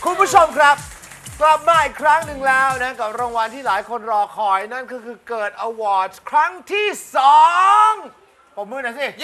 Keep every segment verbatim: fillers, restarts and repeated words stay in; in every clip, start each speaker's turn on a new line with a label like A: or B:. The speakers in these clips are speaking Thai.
A: คุณผู้ชมครับกลับมาอีกครั้งหนึ่งแล้วนะกับรางวัลที่หลายคนรอคอยนั่นก็คือเกิดอวอร์ดครั้งที่สองปรบมือหน่อยสิ
B: เย้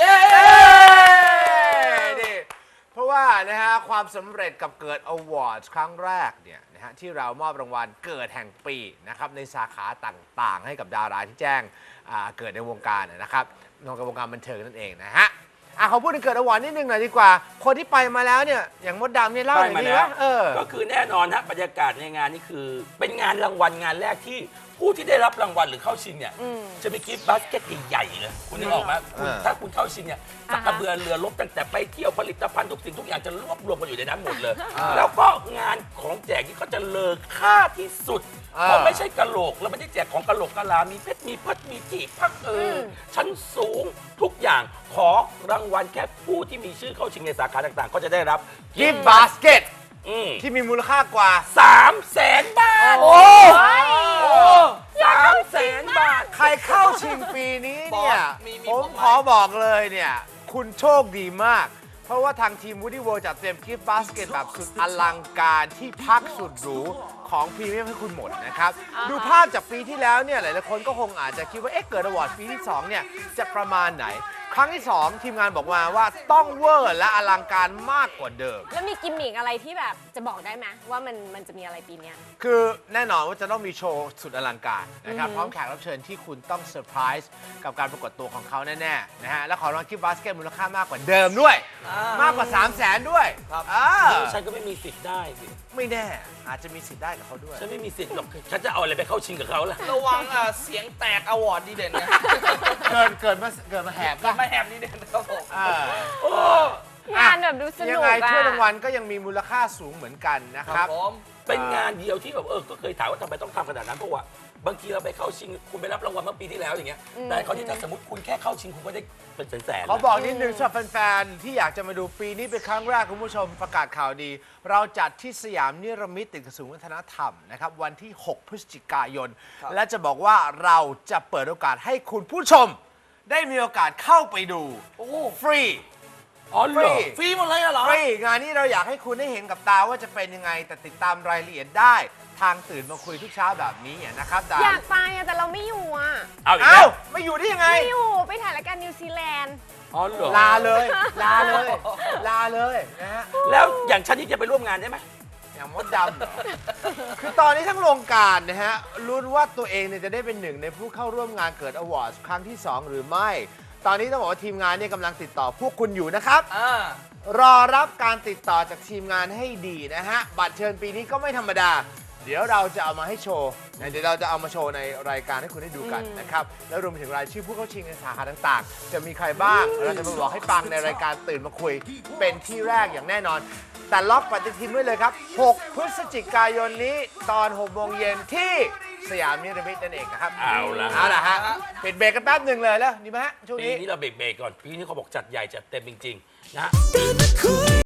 A: นี่เพราะว่านะฮะความสำเร็จกับเกิดอวอร์ดครั้งแรกเนี่ยนะฮะที่เรามอบรางวัลเกิดแห่งปีนะครับในสาขาต่างๆ ให้กับดาราที่แจ้งเกิดในวงการนะครับในวงการบันเทิงนั่นเองนะฮะอ่ะเขาพูดถึงเกิดอวอร์ดนิดนึงหน่อยดีกว่าคนที่ไปมาแล้วเนี่ยอย่างมดดำเนี่ยเล่าหน่อยดีว่าเออ
B: ก็คือแน่นอนฮะบรรยากาศในงานนี่คือเป็นงานรางวัลงานแรกที่ผู้ที่ได้รับรางวัลหรือเข้าชิงเนี่ยจะมีกิฟต์บาสเกตใหญ่ๆเลยคุณนึกออกไหมคุณถ้าคุณเข้าชิงเนี่ยจักระเบือเรือรบตั้งแต่ไปเที่ยวผลิตภัณฑ์ทุกสิ่งทุกอย่างจะรวบรวมกันอยู่ในนั้นหมดเลยแล้วก็งานของแจกนี่ก็จะเลอค่าที่สุดเพราะไม่ใช่กะโหลกแล้วไม่ได้แจกของกะโหลกกะลามีเพชรมีพัดมีจีบพักเออชั้นสูงทุกอย่างขอรางวัลแค่ผู้ที่มีชื่อเข้าชิงในสาขาต่างๆก็จะได้รับ
A: กิฟต์บาสเกตที่มีมูลค่ากว่า
B: สามแสนบาท
A: โอ้
B: สามแสนบาท
A: ใครเข้าชิงปีนี้เนี่ยผมขอบอกเลยเนี่ยคุณโชคดีมากเพราะว่าทางทีม Woody World จัดเตรียมกิฟต์บาสเกตแบบสุดอลังการที่พักสุดหรูของพรีเมียมให้คุณหมดนะครับดูภาพจากปีที่แล้วเนี่ยหลายๆคนก็คงอาจจะคิดว่าเอ๊ะเกิดอวอร์ดปีที่สองเนี่ยจะประมาณไหนครั้งที่สองทีมงานบอกมาว่าต้องเวอร์และอลังการมากกว่าเดิม
C: แล้วมีกิมมิกอะไรที่แบบจะบอกได้ไหมว่ามันมันจะมีอะไรปีนี้
A: คือแน่นอนว่าจะต้องมีโชว์สุดอลังการนะครับพร้อมแขกรับเชิญที่คุณต้องเซอร์ไพรส์กับการปรากฏตัวของเขาแน่ๆนะฮะและขอรางวัลกิฟต์บาสเกตมูลค่ามากกว่าเดิมด้วยมากกว่าสามแสนด้วย
B: ครับฉันก็ไม่มีสิทธิ์ได้สิ
A: ไม่แน่อาจจะมีสิทธิ์ได้กับเขาด้วย
B: ฉันไม่มีสิทธิ์หรอกฉันจะเอาอะไรไปเข้าชิงกับเขาล่ะ
D: ระวังเสียงแตกอวอร์ดดีเด่นนะ
A: เกิดเกิดมาเกิดมาแหบ
D: ก็มาแหบดีเด่นครับผม
C: งานแบบดูสนุก
A: ยังไงถ้วยรางวัลก็ยังมีมูลค่าสูงเหมือนกันนะครับ
B: เป็นงานเดียวที่แบบเออก็เคยถามว่าทำไมต้องทำขนาดนั้นเพราะว่าบางทีเราไปเข้าชิงคุณไปรับรางวัลเมื่อปีที่แล้วอย่างเงี้ยแต่เขาที่ถ้าสมมติคุณแค่เข้าชิงคุณก็ได้เป็นแสนๆ
A: เขาบอกนิดนึงสำหรับแฟนๆที่อยากจะมาดูปีนี้เป็นครั้งแรกคุณผู้ชมประกาศข่าวดีเราจัดที่สยามนิรมิตตึกกระทรวงวัฒนธรรมนะครับวันที่หกพฤศจิกายนและจะบอกว่าเราจะเปิดโอกาสให้คุณผู้ชมได้มีโอกาสเข้าไปดูฟรี
B: อ๋อฟรี
D: ฟรีหมดเลยเหรอ
A: ฟรีงานนี้เราอยากให้คุณได้เห็นกับตาว่าจะเป็นยังไงแต่ติดตามรายละเอียดได้ทางตื่นมาคุยทุกเช้าแบบนี้นะครับดา
C: อยากไปแต่เราไม่อยู่อ่ะ
B: เอา
A: เอ้าไม่อยู่ได้ยังไง
C: ไม่อยู่ไปถ่ายรายการนิวซีแลนด์
B: อ๋อเหรอ
A: ลาเลยลาเลยลาเลยนะฮะ
B: แล้วอย่างฉันนี่จะไปร่วมงานได้ไหม
A: อย่างมดดำเหรอคือตอนนี้ทั้งโรงการนะฮะลุ้นว่าตัวเองเนี่ยจะได้เป็นหนึ่งในผู้เข้าร่วมงานเกิดอวอร์ดครั้งที่สองหรือไม่ตอนนี้ต้องบอกว่าทีมงานเนี่ยกำลังติดต่อพวกคุณอยู่นะครับรอรับการติดต่อจากทีมงานให้ดีนะฮะบัตรเชิญปีนี้ก็ไม่ธรรมดาเดี๋ยวเราจะเอามาให้โชว์เดี๋ยวเราจะเอามาโชว์ในรายการให้คุณได้ดูกันนะครับแล้วรวมไปถึงรายชื่อผู้เข้าชิงในสาขาต่างๆจะมีใครบ้างเราจะมาบอกให้ฟังในรายการตื่นมาคุยเป็นที่แรกอย่างแน่นอนแต่ล็อกปฏิทินไว้เลยครับหกพฤศจิกายนนี้ตอนหกโมงเย็นที่สยามนิรมิตนั่นเองนะครับ
B: เอาละ
A: เอาละฮะปิดเบรกกันแป๊บหนึ่งเลยแล้วดีไหมฮะช่วงนี้
B: ปีนี้เราเบรกๆก่อนปีนี้เขาบอกจัดใหญ่จัดเต็มจริงๆนะ